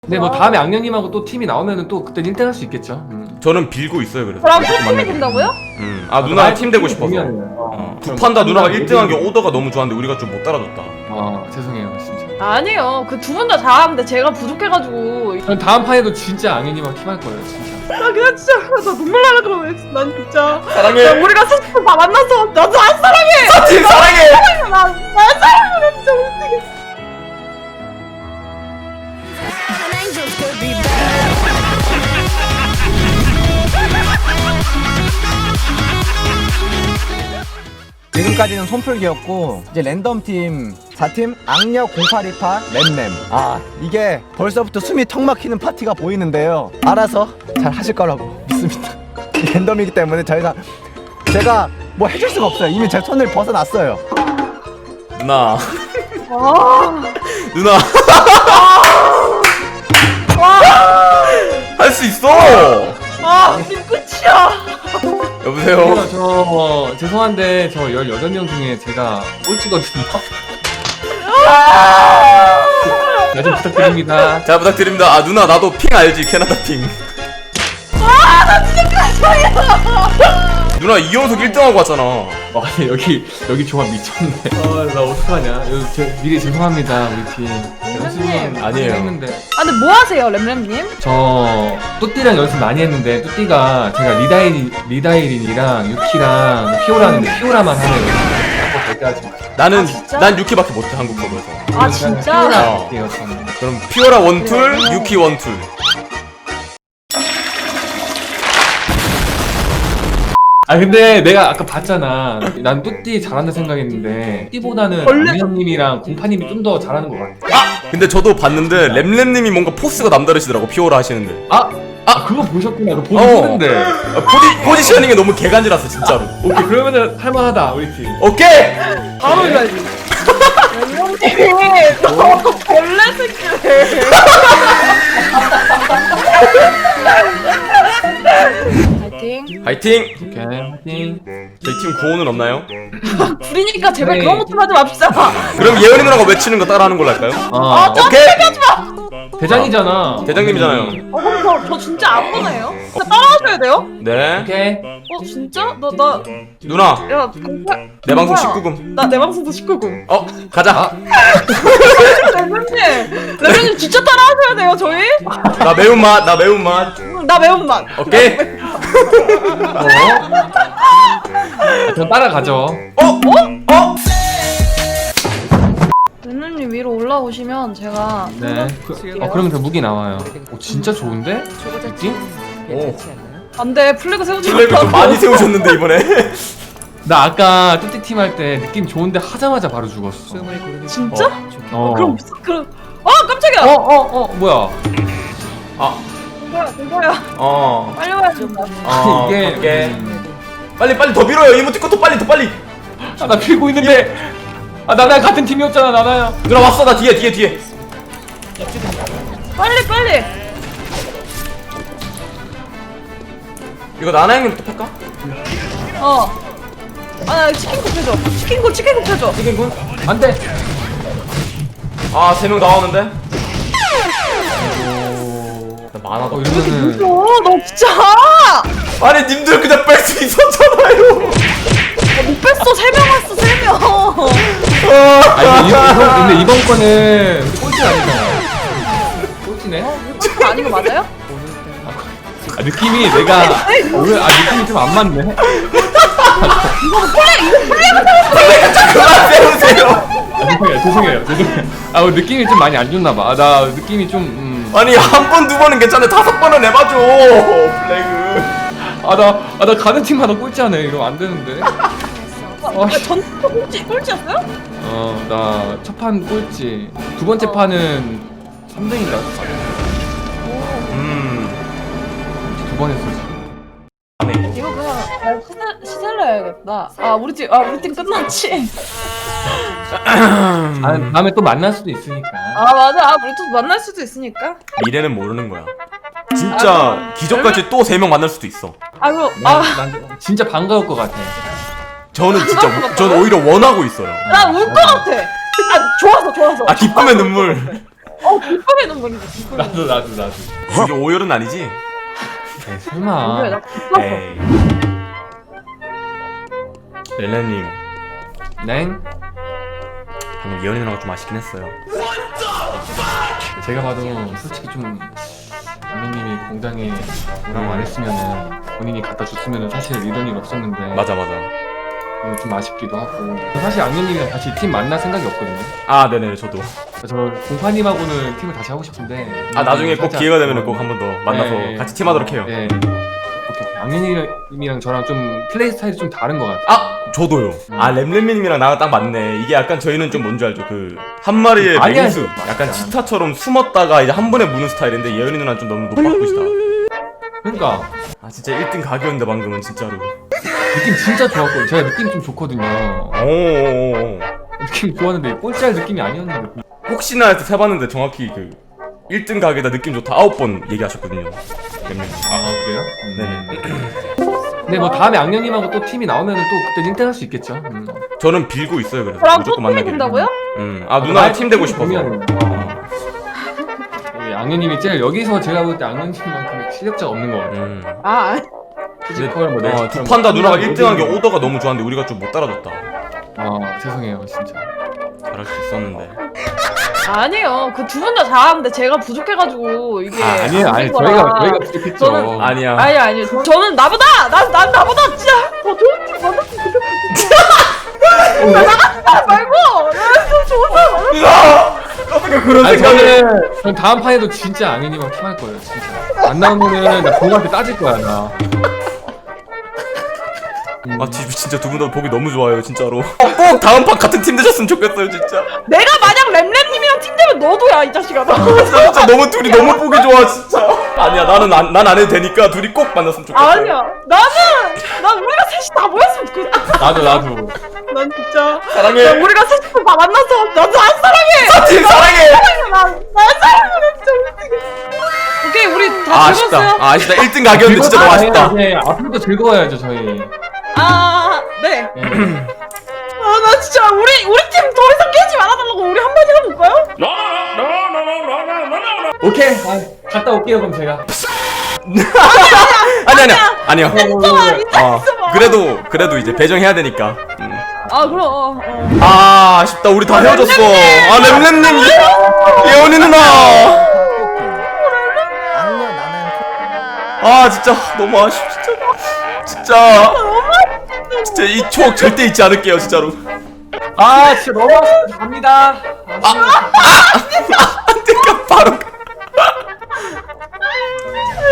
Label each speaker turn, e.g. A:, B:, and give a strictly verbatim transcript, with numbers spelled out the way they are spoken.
A: 근데 뭐 다음에 악령님하고 또 팀이 나오면은 또 그때 일 등 할 수 있겠죠. 음.
B: 저는 빌고 있어요 그래서.
C: 그럼 또 팀이 된다고요?
B: 음. 아 누나랑 팀 되고 싶어서. 어. 두 판 다 누나가 일 등 한 게 오더가 너무 좋았는데 우리가 좀 못 따라줬다.
A: 아 죄송해요 진짜.
C: 아니요. 그 두 분 다 잘하는데 제가 부족해가지고.
A: 전 다음 판에도 진짜 악령님하고 팀 할 거예요 진짜.
C: 나 그냥 진짜 나 눈물 날라 그러네. 난 진짜.
B: 사랑해.
C: 야, 우리가 스스로 다 만나서 나도 안 사랑해.
B: 사팀 사랑해.
C: 나, 나 사랑해. 나 진짜 어떡해.
D: 지금까지는 손풀기였고 이제 랜덤팀 사 팀 악력 공팔이팔 램램. 아 이게 벌써부터 숨이 턱 막히는 파티가 보이는데요. 알아서 잘 하실 거라고 믿습니다. 랜덤이기 때문에 저희가 제가 뭐 해줄 수가 없어요. 이미 제 손을 벗어났어요.
B: 누나.
C: 와.
B: 누나. 할 수 있어.
C: 아, 지금 끝이야.
B: 여보세요.
A: 저, 저 죄송한데 저 열여덟 명 중에 제가 꼴찌거든요. 나 좀 부탁드립니다.
B: 잘 부탁드립니다. 아 누나 나도 핑 알지? 캐나다 핑.
C: 아, 나 진짜 가셔요.
B: 누나 이연속 일 등 하고 왔잖아.
A: 와 여기 여기 조합 미쳤네. 아나 어떡하냐. 여기 제, 미리 죄송합니다 우리 팀.
C: 램램님.
B: 아니에요.
A: 했는데
C: 아, 근데 뭐 하세요, 램램님?
A: 저 뚜띠랑 연습 많이 했는데 뚜띠가 제가 리다이 리다이린이랑 유키랑 피오라는 피오라만 하네요. 절대 하지 마.
B: 나는
C: 아, 진짜?
B: 난 유키밖에 못해 한국 서버에서.
C: 아, 진짜?
A: 피오라 할게요 저는.
B: 그럼 피오라 원툴, 유키 원툴.
A: 아 근데 내가 아까 봤잖아. 난 뚜띠 잘한다 생각했는데 뚜띠보다는
C: 원래-
A: 안녕님이랑 공파님이 좀 더 잘하는 것 같아.
B: 아! 근데 저도 봤는데 램램님이 뭔가 포스가 남다르시더라고 피오라 하시는데.
A: 아! 아 그거 보셨구나. 그거 보기
B: 어.
A: 싫은데.
B: 아, 포지, 포지셔닝이 너무 개간지라서 진짜로.
A: 오케이 그러면은 할만하다 우리 팀.
B: 오케이!
C: 바로 이거지. 램램님이 너무 벌레 새끼네. 파이팅.
B: 파이팅!
A: 오케이 화이팅.
B: 저희 팀 구호는 없나요?
C: 둘이니까 제발
A: 네.
C: 그런 것 좀 하지 맙시다.
B: 그럼 예은이 누나가 외치는 거 따라하는 걸로 할까요?
A: 아
B: 오케이!
A: 대장이잖아.
B: 대장님이잖아요.
C: 어, 그럼 저, 저 진짜 안 보네요? 저 따라하셔야 돼요?
B: 네.
A: 오케이.
C: 어, 진짜? 나, 나,
B: 누나,
C: 야, 공파-
B: 내 방송
C: 공파야.
B: 십구 금.
C: 나 내 방송도 십구 금.
B: 어, 가자.
C: 램램님, 램램님 진짜 따라하셔야 돼요, 저희?
B: 나 매운맛, 나 매운맛.
C: 응, 나 매운맛.
B: 오케이?
A: 어? 그럼 따라가죠.
B: 어? 어? 어?
C: 램램님 위로 올라오시면 제가
A: 네. 그, 어 그러면 그 무기 나와요. 오 진짜 좋은데? 느낌?
B: 오.
C: 안돼 플래그 세우지
B: 플래그 좀 많이 세우셨는데 이번에.
A: 나 아까 뚜띠 팀 할 때 느낌 좋은데 하자마자 바로 죽었어.
C: 진짜?
A: 어.
C: 그럼 무슨 그럼 어 깜짝이야.
A: 어, 어, 어, 뭐야?
B: 아,
C: 공포야 공포야
B: 어.
C: 빨리 와야 된다.
B: 어,
A: 이게
B: 갈게.
A: 음.
B: 빨리 빨리 더 밀어요. 이모티콘 더 빨리 더 빨리.
A: 아, 나 빌고 있는데. 아, 나나야 같은 팀이었잖아, 나나야.
B: 누나 왔어. 나 뒤에 뒤에 뒤에.
C: 빨리 빨리.
B: 이거 나나 형님 또 팔까?
C: 어. 아나 치킨국 해줘. 치킨국 치킨국 해줘.
B: 치킨군?
A: 안 돼.
B: 아, 세 명 나오는데. 나 많아도.
A: 어, 이러면은.
C: 어너 진짜.
B: 아니 님들 그냥 뺄 수 있었잖아요.
C: 못 뺐어 세 명 왔어 세 명.
A: 아니, 이번, 이번, 근데 이번 거는 꼴찌 아니잖아. 꼴찌네?
C: 이거 아닌 거 맞아요?
A: 아, 느낌이 내가. 어, 왜, 아, 느낌이 좀 안 맞네.
B: 그만 세우세요.
A: 아, 죄송해요, 죄송해요, 죄송해요. 아, 어, 느낌이 좀 많이 안 좋나봐. 아, 나 느낌이 좀, 음.
B: 아니 한 번 두 번은 괜찮아. 다섯 번은 해봐줘. 플래그.
A: 아, 나, 아, 나 가는 팀마다 꼴찌하네. 이러면 안 되는데.
C: 아, 전 꼴찌 꼴찌였어요?
A: 어, 나 첫 판 꼴찌. 두 번째 판은 삼 등인가?
B: 음.
A: 두 번 했어, 지금.
C: 이거 그냥 아, 시셀 시셀러 해야겠다. 아 우리 팀 아 우리 팀 끝났지.
A: 아, 다음에 또 만날 수도 있으니까.
C: 아 맞아. 아 우리 또 만날 수도 있으니까.
B: 미래는 모르는 거야. 진짜 기적같이 또 세 명 만날 수도 있어.
C: 아이고
A: 난,
C: 아
A: 난 진짜 반가울 것 같아.
B: 저는 진짜 우- 저는 오히려 원하고 있어요.
C: 나 울 것 같아. 아 좋아서 좋아서.
B: 아 기쁨의 눈물.
C: 어 불편해 눈물이지. 불편해.
A: 나도 나도 나도.
B: 이게 오열은 아니지?
A: 에이, 설마.
C: 누구야, 나 불편해.
B: 에이. 렐레님
A: 넹?
B: 방금 예언이 누나가 좀 아쉽긴 했어요.
A: 제가 봐도 솔직히 좀 악녀님이 공장에 뭐라고 안 했으면은 본인이 갖다 줬으면은 사실 이런 일 없었는데.
B: 맞아 맞아.
A: 음, 좀 아쉽기도 하고. 사실 악녀님이랑 같이 팀 만날 생각이 없거든요.
B: 아 네네 저도.
A: 저 공파님하고는 팀을 다시 하고 싶은데.
B: 아 나중에 꼭
A: 살짝-
B: 기회가 되면 꼭 한 번 더 만나서
A: 네.
B: 같이 팀하도록 해요.
A: 네. 오케이. 악녀님이랑 저랑 좀 플레이 스타일이 좀 다른 것 같아요.
B: 아 저도요. 아 램램님이랑 나랑 딱 맞네. 이게 약간 저희는 좀 뭔지 알죠? 그 한 마리의
A: 아니야.
B: 맹수. 약간
A: 맞아.
B: 치타처럼 숨었다가 이제 한 번에 무는 스타일인데 예언이 누나는 좀 너무 노박굿이다.
A: 그러니까
B: 아 진짜 일 등 각이었는데 방금은 진짜로.
A: 느낌 진짜 좋았거든요. 제가 느낌 좀 좋거든요.
B: 오오오.
A: 느낌 좋았는데 꼴찌할 느낌이 아니었는데.
B: 혹시나 해서 세봤는데 정확히 그 일 등 각에다 느낌 좋다 아홉 번 얘기하셨거든요. 램램님.
A: 아 그래요?
B: 네네.
A: 근데 뭐 다음에 악녀님하고 또 팀이 나오면은 또 그때 일 등 할 수 있겠죠. 음.
B: 저는 빌고 있어요 그래서
C: 저랑 또
B: 무조건
C: 팀이
B: 만나기를.
C: 된다고요?
B: 음. 아 누나랑 팀 되고 싶어서.
A: 보면은, 어. 우리 악녀님이 제일 여기서 제가 볼 때 악녀님만큼 실력자가 없는 것 같아요.
B: 음.
C: 아
A: 피지컬 뭐
B: 어,
A: 내지컬
B: 두
A: 뭐
B: 판 다 누나가
A: 모든
B: 일 등 한 게
A: 모든-
B: 오더가 너무 좋았는데 우리가 좀 못 따라줬다.
A: 아 죄송해요 진짜.
B: 잘할 수 있었는데.
C: 아니에요. 그 두 분 다 잘하는데 제가 부족해가지고 이게.
A: 아 아니에요
C: 안
A: 아니
C: 된
A: 저희가
C: 거라.
A: 저희가 부족했죠.
C: 저는-
B: 아니야.
C: 아니 아니 저, 저는 나보다 난, 난 나보다 진짜 더 좋은 팀 만났으면 좋겠어. 나 나갔다 말고 나좀 좋은 사람 만났으면.
B: 어떻게 그런
A: 아니
B: 생각을?
A: 저는 전 다음 판에도 진짜 악녀님하고 팀할 거예요 진짜. 안 나오면은 나 봉한테 따질 거야 나.
B: 아 지- 진짜 두 분 다 보기 너무 좋아요 진짜로. 꼭 다음 판 같은 팀 되셨으면 좋겠어요 진짜.
C: 내가 만약 램램님이랑 팀 되면 너도야 이 자식아. 너.
B: 진짜, 진짜 너무 둘이 너무 보기 좋아 진짜. 아니야 나는 난 안 해도 되니까 둘이 꼭 만났으면 좋겠어.
C: 아니야 나는 난 우리가 셋이 다 모였으면 좋겠어.
A: 나도 나도.
C: 난 진짜
B: 사랑해.
C: 야, 우리가 셋이 다 만나서 나도 안 사랑해.
B: 팀 사랑해.
C: 난난 사랑해 진짜 미치겠어. 오케이 우리 다
B: 아 아쉽다.
C: 즐거웠어요?
B: 아 아쉽다. 일 등 가격인데 진짜 너무 아쉽다.
A: 네 앞으로도 즐거워야죠 저희.
C: 아 네.
A: 네.
C: 아 나 진짜 우리 우리 팀 더 이상 깨지 말아달라고 우리 한마디 해볼까요?
A: 오케이. 아, 갔다 올게요 그럼 제가.
B: 아니 아니야 아니야.
C: 있어봐 있어
B: 어
C: 있어봐.
B: 그래도 그래도 이제 배정해야 되니까. 음.
C: 아 그럼 어, 어.
B: 아 아쉽다 우리 다 헤어졌어. 아 램램님 예원이 누나.
D: 악녀 나는
B: 아 진짜 너무 아쉬워 진짜. 진짜 진짜 이 추억 절대 잊지 않을게요 진짜로.
A: 아 진짜 너무 아쉽다. 갑니다.
B: 내가 바로.